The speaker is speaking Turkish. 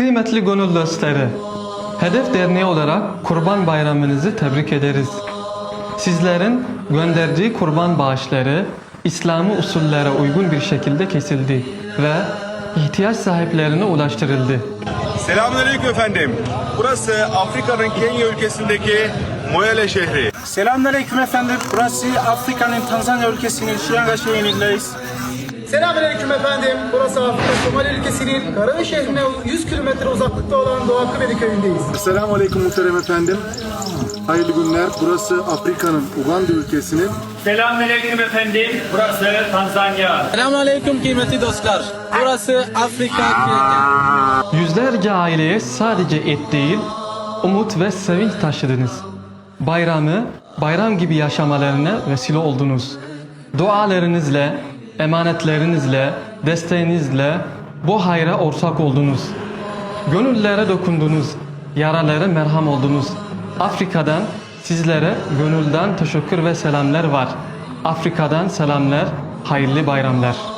Kıymetli gönül dostları, Hedef Derneği olarak Kurban Bayramınızı tebrik ederiz. Sizlerin gönderdiği kurban bağışları İslami usullere uygun bir şekilde kesildi ve ihtiyaç sahiplerine ulaştırıldı. Selamünaleyküm efendim. Burası Afrika'nın Kenya ülkesindeki Moyale şehri. Selamünaleyküm efendim. Burası Afrika'nın Tanzanya ülkesinin Shinyanga şehrindeyiz. Selamünaleyküm efendim. Burası Afrika Somali ülkesinin Karavi şehrine 100 kilometre uzaklıkta olan Doğu Akıbedi köyündeyiz. Selamünaleyküm muhterem efendim. Hayırlı günler. Burası Afrika'nın Uganda ülkesinin. Selamünaleyküm efendim. Burası Tanzanya. Selamünaleyküm kıymetli dostlar. Burası Afrika Kenya. Yüzlerce aileye sadece et değil, umut ve sevinç taşıdınız. Bayramı bayram gibi yaşamalarına vesile oldunuz. Dualarınızla, emanetlerinizle, desteğinizle bu hayra ortak oldunuz. Gönüllere dokundunuz, yaralara merham oldunuz. Afrika'dan sizlere gönülden teşekkür ve selamlar var. Afrika'dan selamlar, hayırlı bayramlar.